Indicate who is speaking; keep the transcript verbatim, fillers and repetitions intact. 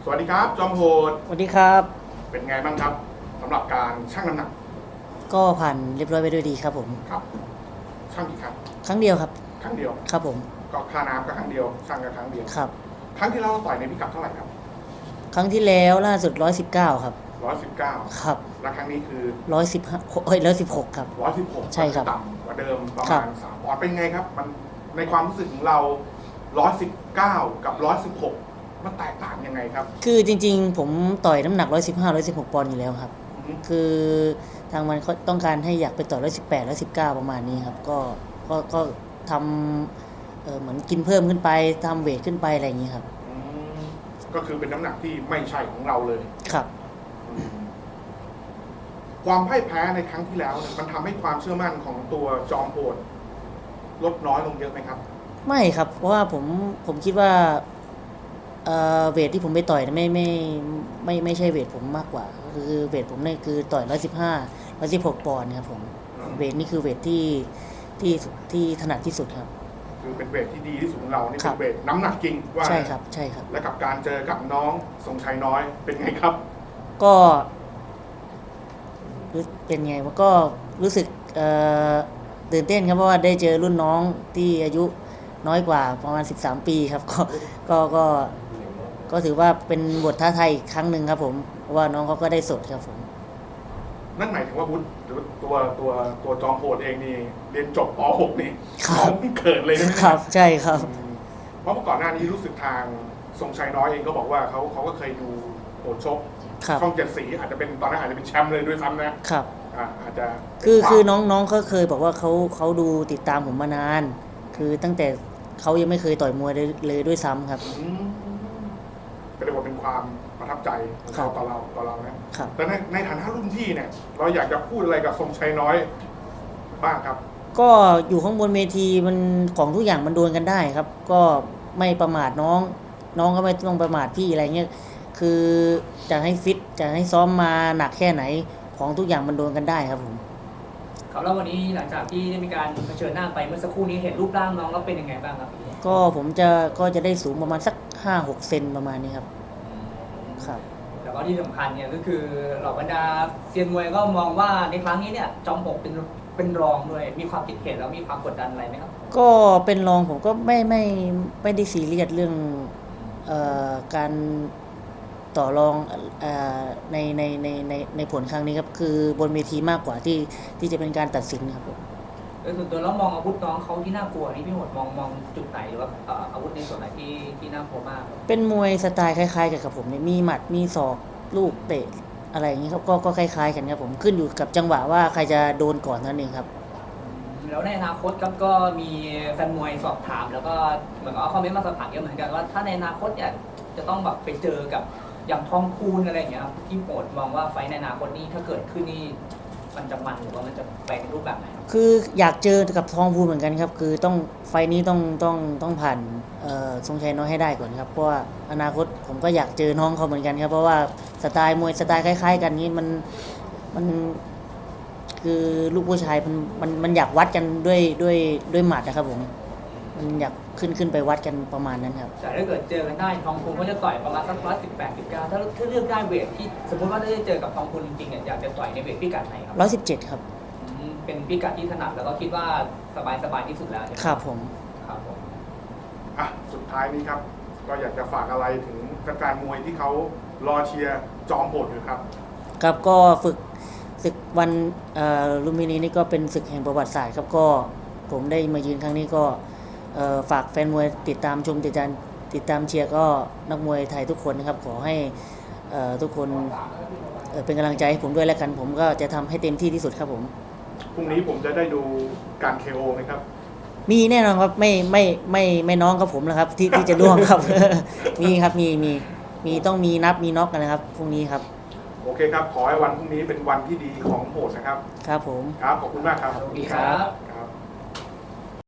Speaker 1: สวัสดีครับจอมโหด
Speaker 2: สวัสดีครับ
Speaker 1: เป็นไงบ้างครับสำหรับการชั่งน้ำหนัก
Speaker 2: ก็ผ่านเรียบร้อยไปด้วยดีครับผม
Speaker 1: ครับชั่งกี่ครั้ง
Speaker 2: ครั้งเดียวครับ
Speaker 1: ครั้งเดียว
Speaker 2: ครับผม
Speaker 1: ก็ค่าน้ำก็ครั้งเดียวชั่งกันครั้งเดียว
Speaker 2: ครับ
Speaker 1: ครั้งที่เราต่อยในพิกัดเท่าไหร่ครับ
Speaker 2: ครั้งที่แล้วล่าสุดร้อยสิบเก้าครับ
Speaker 1: ร้อยสิบเก้า
Speaker 2: ครับ
Speaker 1: และครั้งนี้คือ
Speaker 2: ร้อยสิบห้าเฮ้ยร้อยสิบหกครับ
Speaker 1: ร้อยสิบหก
Speaker 2: ใช่ครับ
Speaker 1: ต่ำกว่าเดิมประมาณสามปอนด์เป็นไงครับมันในความรู้สึกของเราร้อยสิบเก้ากับร้อยสิบหกมันแตกต่างยังไงครับ
Speaker 2: คือจริงๆผมต่อยน้ำหนักร้อยสิบห้าร้อยสิบหกปอนด์อยู่แล้วครับคือทางมันต้องการให้อยากไปต่อร้อยสิบแปดร้อยสิบเก้าประมาณนี้ครับก็ก็ก็ทำเออเหมือนกินเพิ่มขึ้นไปทำเวทขึ้นไปอะไรอย่างนี้ครับ
Speaker 1: ก็คือเป็นน้ำหนักที่ไม่ใช่ของเราเลย
Speaker 2: ครับ
Speaker 1: ความพ่ายแพ้ในครั้งที่แล้วมันทำให้ความเชื่อมั่นของตัวจอมโหดลดน้อยลงเยอะไหมครับ
Speaker 2: ไม่ครับเพราะว่าผมผมคิดว่าเอ่อเวทที่ผมไปต่อยไม่ไม่ไม่ไม่ใช่เวทผมมากกว่าคือเวทผมเนี่ยคือต่อยร้อยสิบห้าร้อยสิบหกปอนด์ครับผมเวทนี่คือเวทที่ที่ที่ถนัดที่สุดครับ
Speaker 1: คือเป็นเวทที่ดีที่สุดของเรานี่เป็นเวทน้ำหนักจริงว่า
Speaker 2: ใช่ครับใช่ครับ
Speaker 1: และกับการเจอกับน้องทรงชัยน้อยเป็นไงครับ
Speaker 2: ก็เป็นไงวะก็รู้สึกเอ่อตื่นเต้นครับเพราะว่าได้เจอรุ่นน้องที่อายุน้อยกว่าประมาณสิบสามปีครับก็ก็ก็ก็ถือว่าเป็นบทท้าทายอีกครั้งหนึ่งครับผมเพราะว่าน้องเขาก็ได้สดครับผม
Speaker 1: นั่นหมายถึงว่าบุญหรือตัวตัวตัวจอมโหดเองนี่เรียนจบป หก นี่
Speaker 2: น้
Speaker 1: องเกิดเลยใช่ไหม
Speaker 2: ครับใช่ครับ
Speaker 1: เพราะเมื่อก่อนหน้านี้รู้สึกทางทรงชัยน้อยเองก็บอกว่าเขาเขาก็เคยดูโหดชกช่องเจ็ดสีอาจจะเป็นตอนนั้นอาจจะเป็นแชมป์เลยด้วยซ้ำนะครับอาจจะ
Speaker 2: คือคือน้องน้องเขาเคยบอกว่าเขาเขาดูติดตามผมมานานคือตั้งแต่เขายังไม่เคยต่อยมวยเลยด้วยซ้ำครับ
Speaker 1: ก็เรียกว่าเป็นความประทับใจของเขาต่อเราต่อเรานะแต่ในในฐานะรุ่นพี่เนี่ยเราอยากจะพูดอะไรกับทรงชัยน้อยบ้างครับ
Speaker 2: ก็อยู่ข้างบนเวทีมันของทุกอย่างมันโดนกันได้ครับก็ไม่ประมาทน้องน้องก็ไม่ต้องประมาทพี่อะไรเงี้ยคือจะให้ฟิตจะให้ซ้อมมาหนักแค่ไหนของทุกอย่างมันโดนกันได้ครับผม
Speaker 3: ครับแล้ววันนี้หลังจากที่ได้มีการเผชิญหน้าไปเมื่อสักครู่นี้เห็นรูปร่างน้องแล้วเป็นยังไงบ้างครับ
Speaker 2: ก็ผมจะก็จะได้สูงประมาณสักห้าหกเซนประมาณนี้ครับครับ
Speaker 3: แล้วก็ที่สำคัญเนี่ยก็คือเหล่าบรรดาเซียนมวยก็มองว่าในครั้งนี้เนี่ยจอมหกเป็นเป็นรองด้วยมีความคิดเห็นแล้วมีความกดดันอะไรไหมครับ
Speaker 2: ก็เป็นรองผมก็ไม่ไม่ไม่ได้ซีเรียสเรื่องเอ่อการต่อรองเอ่อในในในในในผลครั้งนี้ครับคือบนเวทีมากกว่าที่ที่จะเป็นการตัดสินครับผม
Speaker 3: โดยส่วนตัวแล้วมองอาวุธน้องเขาที่น่ากลัวนี่พี่หมดมองมองจุดไหนหรือว่าอาวุธในส่วนไหนที่ที่น่ากลัวมาก
Speaker 2: เป็นมวยสไตล์คล้ายๆกับผมเนี่ยมีหมัดมีศอกลูกเตะอะไรอย่างนี้ครับก็ก็คล้ายๆกันครับผมขึ้นอยู่กับจังหวะว่าใครจะโดนก่อนนั่นเองครับ
Speaker 3: แล้วในอนาคตครับก็มีแฟนมวยสอบถามแล้วก็เหมือนกับคอมเมนต์มาสอบถามเยอะเหมือนกันว่าถ้าในอนาคตเนี่ยจะต้องแบบไปเจอกับอย่างทองคูณอะไรอย่างเงี้ยครับที่โหดมองว่าไฟในอนาคตนี้ถ้าเกิดขึ้นนี่มันจะมันหรือว่ามันจะไปในรูปแบบไหน
Speaker 2: คืออยากเจอกับทองพูนเหมือนกันครับคือต้องไฟนี้ต้องต้องต้องผ่านทรงชัยน้อยให้ได้ก่อนครับเพราะว่าอนาคตผมก็อยากเจอน้องเขาเหมือนกันครับเพราะว่าสไตล์มวยสไตล์คล้ายๆกันนี้มันมันคือลูกผู้ชายมันมันมันอยากวัดกันด้วยด้วยด้วยหมัดนะครับผมมันอยากขึ้นขึ้นไปวัดกันประมาณนั้นครับ
Speaker 3: แต่ถ้าเกิดเจอกันได้ทองคูณก็จะต่อยประมาณสักร้อยสิบแปดสิบเก้าถ้าถ้าเลือกได้เวทที่สมมติว่าถ้าได้เจอกับทองคูณจริงๆเนี่ยอยากจะต่อยในเวทพิกัดไหนครับ
Speaker 2: ร้อยสิบเจ็ดครับ
Speaker 3: เป็นพิกัดที่ถนัดแล้วก็คิดว่าสบายสบายที่สุดแล้ว
Speaker 2: ครับผม
Speaker 3: ครับผม
Speaker 1: อ่ะสุดท้ายนี้ครับก็อยากจะฝากอะไรถึงแฟนมวยที่เขารอเชียร์จอมโหดอยู่ครับ
Speaker 2: ครับก็ฝึกศึกวันลุมพินีนี่ก็เป็นศึกแห่งประวัติศาสตร์ครับก็ผมได้มายืนครั้งนี้ก็ฝากแฟนมวยติดตามชมติดตามติดตามเชียร์ก็นักมวยไทยทุกคนนะครับขอให้ทุกคนเป็นกำลังใจให้ผมด้วยแล้วกันผมก็จะทำให้เต็มที่ที่สุดครับผม
Speaker 1: พรุ่งนี้ผมจะได้ดูการ เค โอ ไหมครับ
Speaker 2: มีแน่นอนครับไม่ไม่ไม่ไม่น้องกับผมนะครับที่ที่จะร่วงครับ มีครับมีมีมีต้องมีนับมีน็อกกันนะครับพรุ่งนี้ครับ
Speaker 1: โอเคครับขอให้วันพรุ่งนี้เป็นวันที่ดีของโหดนะครับ
Speaker 2: ครับผม
Speaker 1: ครับขอบคุณมากครับ
Speaker 3: สวัสดีครับ